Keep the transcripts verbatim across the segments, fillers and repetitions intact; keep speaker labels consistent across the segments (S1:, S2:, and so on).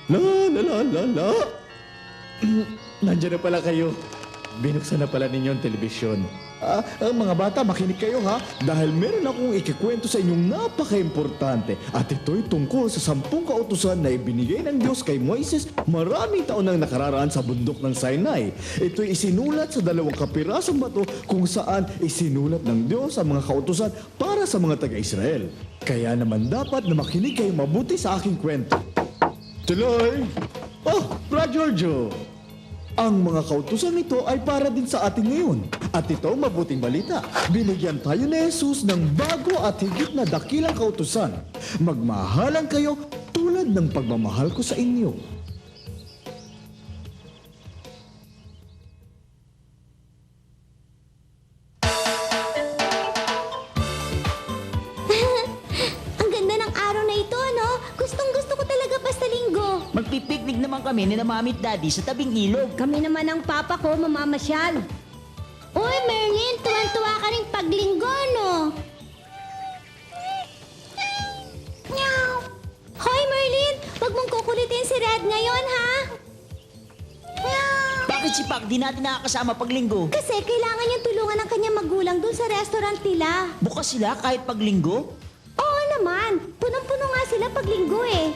S1: La la la la la. Nandiyan na pala kayo. Binuksan na pala ninyo ang telebisyon. Ah, ah, mga bata, makinig kayo ha. Dahil meron akong ikikwento sa inyong napaka-importante. At ito'y tungkol sa sampung kautusan na ibinigay ng Diyos kay Moises maraming taon nang nakararaan sa bundok ng Sinai. Ito'y isinulat sa dalawang kapirasong bato kung saan isinulat ng Diyos ang mga kautusan para sa mga taga-Israel. Kaya naman dapat na makinig kayo mabuti sa aking kwento. Tuloy! Oh, Bra Giorgio! Ang mga kautusan nito ay para din sa atin ngayon. At ito mabuting balita. Binigyan tayo ni Jesus ng bago at higit na dakilang kautusan. Magmahalan kayo tulad ng pagmamahal ko sa inyo.
S2: Ang ganda ng araw na ito, no? Gustong gusto ko talaga basta linggo.
S3: Magpipiknik naman kami ni na mami at daddy sa tabing ilog.
S2: Kami naman ng papa ko mamamasyal. Uy, Merlin, tuwan-tuwa ka rin paglinggo, no? Meow. Hoy, Merlin, wag mong kukulitin si Red ngayon, ha? Meow.
S3: Bakit si Pac di natin nakakasama pag linggo?
S2: Kasi kailangan niyang tulungan ng kanyang magulang dun sa restaurant nila.
S3: Bukas sila kahit pag linggo?
S2: Oo naman, punong-puno nga sila pag linggo eh.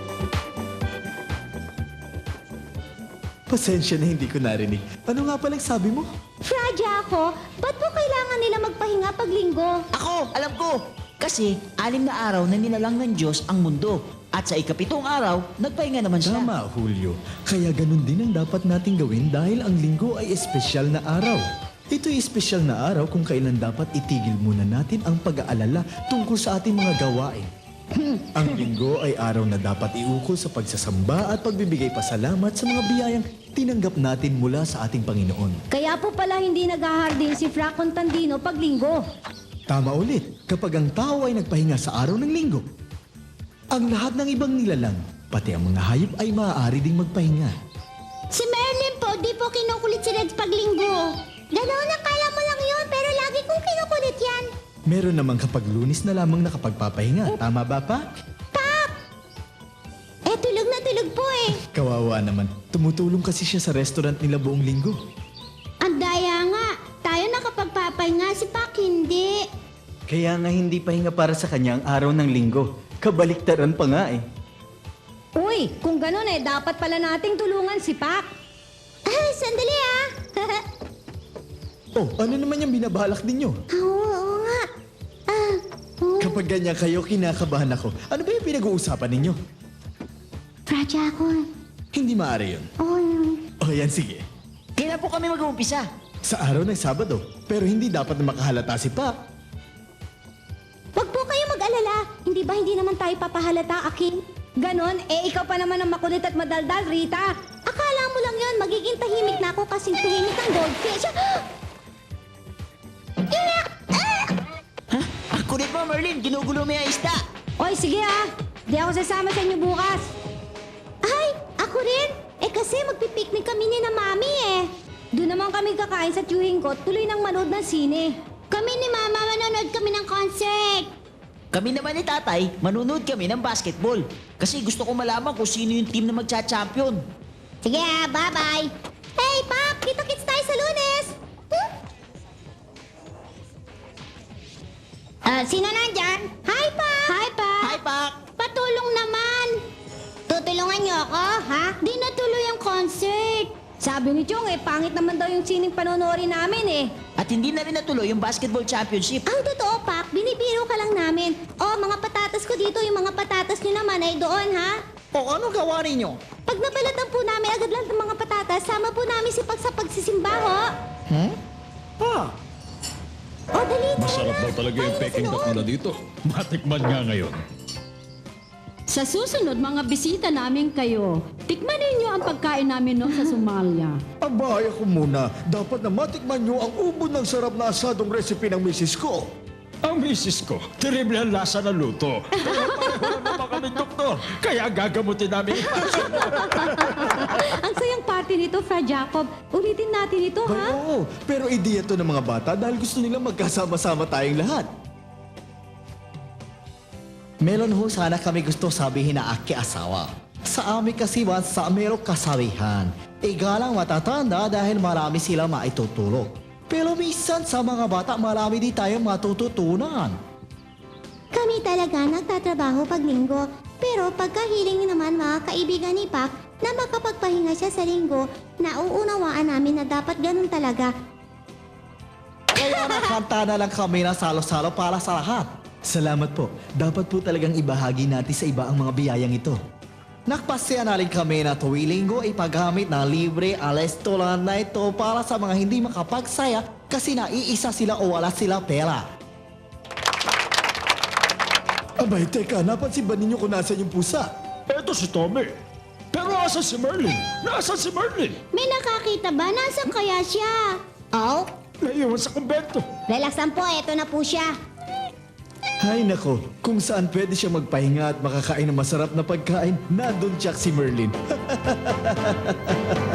S1: Pasensya na hindi ko narinig. Ano nga palang sabi mo?
S2: Fraja ako, ba't po kailangan nila magpahinga pag linggo?
S3: Ako, alam ko! Kasi anim na araw na nilalang ng Diyos ang mundo. At sa ikapitong araw, nagpahinga naman siya.
S1: Tama, Julio. Kaya ganun din ang dapat nating gawin dahil ang linggo ay espesyal na araw. Ito'y espesyal na araw kung kailan dapat itigil muna natin ang pag-aalala tungkol sa ating mga gawain. Ang linggo ay araw na dapat iukol sa pagsasamba at pagbibigay pasalamat sa mga biyayang tinanggap natin mula sa ating Panginoon.
S2: Kaya po pala hindi naghahardin si Fra Contandino pag linggo.
S1: Tama ulit, kapag ang tao ay nagpahinga sa araw ng linggo, ang lahat ng ibang nilalang, pati ang mga hayop ay maaari ding magpahinga.
S2: Si Merlin po, di po kinukulit si Reds pag linggo. Ganoon, akala mo lang yun, pero lagi kong kinukulit yan.
S1: Meron namang kapag Lunes na lamang nakapagpapahinga. Tama ba, pa?
S2: Pak! Eh, tulog na tulog po eh.
S1: Kawawa naman. Tumutulong kasi siya sa restaurant nila buong linggo.
S2: Ang daya nga, tayo nakapagpapahinga, si Pak hindi.
S4: Kaya nga hindi pahinga para sa kanya ang araw ng linggo. Kabaliktaran pa nga eh.
S2: Uy, kung gano'n eh, dapat pala nating tulungan si Pak. Ay, sandali ah.
S1: Oh, ano naman yung binabalak ninyo?
S2: Oo, oo nga. Ah, oo.
S1: Kapag ganyan kayo, kinakabahan ako. Ano ba yung pinag-uusapan ninyo?
S2: Fraja ako.
S1: Hindi maaari yun.
S2: Oo, yun.
S1: O yan, sige.
S3: Kailan po kami mag-uumpisa?
S1: Sa araw ng Sabado. Pero hindi dapat na makahalata si Pa.
S2: Wag po kayo mag-alala. Hindi ba hindi naman tayo papahalata, Aking? Ganon, eh ikaw pa naman ang makulit at madaldal, Rita. Akala mo lang yon, magiging tahimik na ako kasing tahimik ang goldfish.
S3: Ang kulit mo, Merlin! Ginugulo mo yung isda!
S2: Oy, sige ah. Di ako sasama sa inyo bukas. Ay, ako rin. Eh kasi magpipiknik kami ni na Mami eh. Doon naman kami kakain sa tiyuhin ko, tuloy nang manood ng sine. Kami ni Mama manonood kami ng concert.
S3: Kami naman ni Tatay, manunood kami ng basketball. Kasi gusto ko malaman kung sino yung team na magcha-champion.
S2: Sige ah, bye-bye. Hey, Pop! Kita-kits tayo sa Lunes! Hmm? Ah, sino nandyan? Hi, Pop! Hi, Pop!
S3: Hi, Pac!
S2: Patulong naman! Tutulungan niyo ako, ha? Di natuloy ang concert. Sabi ni Chong, eh, pangit naman daw yung sining panonoorin namin, eh.
S3: At hindi na rin natuloy yung basketball championship.
S2: Ang totoo, Pak, binibiro ka lang namin. Oh, mga patatas ko dito, yung mga patatas niyo naman ay doon, ha?
S3: O ano gawa ninyo?
S2: Pag nabalatan po namin agad lang ng mga patatas, sama po namin si Pag sa pagsisimba, ho?
S5: Hmm? Ah,
S2: O, dali, tara
S5: masarap
S2: na.
S5: daw talaga yung
S2: Tayo na sa
S5: peking duck
S2: loob.
S5: nila dito. Matikman nga ngayon.
S6: Sa susunod, mga bisita namin kayo, tikman ninyo ang pagkain namin noon sa Somalia.
S1: Abay ako muna. Dapat na matikman nyo ang ubod ng sarap na asadong recipe ng misis ko.
S5: Ang misis ko, terrible ang lasa ng luto. Pero pareho naman kami doktor, kaya gagamutin namin yung pasok.
S6: Ang sayang party nito, Fra Jacob. Ulitin natin ito,
S1: Ay,
S6: ha?
S1: oo. Pero ideya to ng mga bata dahil gusto nilang magkasama-sama tayong lahat.
S4: Meron ho sana kami gusto sabihin na aki asawa.
S7: sa amin kasi man sa merong kasabihan. Igalang matatanda dahil marami sila maitutulog. Pero minsan sa mga bata marami din tayong matututunan.
S2: Kami talaga nagtatrabaho pag linggo. Pero pagkahiling naman mga kaibigan ni Pak na makapagpahinga siya sa linggo, nauunawaan namin na dapat ganun talaga.
S7: Kaya nakanta na lang kami na salo-salo para sa lahat.
S4: Salamat po. Dapat po talagang ibahagi natin sa iba ang mga biyayang ito.
S7: Nakpasya na rin kami na tuwing linggo ay paggamit ng libre alestolan na ito para sa mga hindi makapagsaya kasi naiisa sila o wala sila pera.
S1: Abay, teka, napansin ba ninyo kung nasan yung pusa?
S5: Eto si Tommy. Pero asan si Merlin? Nasaan si Merlin?
S2: May nakakita ba? Nasaan kaya siya? Oh,
S5: Naiwan sa kumbento.
S2: relax lang po. Eto na po siya.
S1: Hay nako, kung saan pwede siya magpahinga at makakain ng masarap na pagkain, nandun siya si Merlin.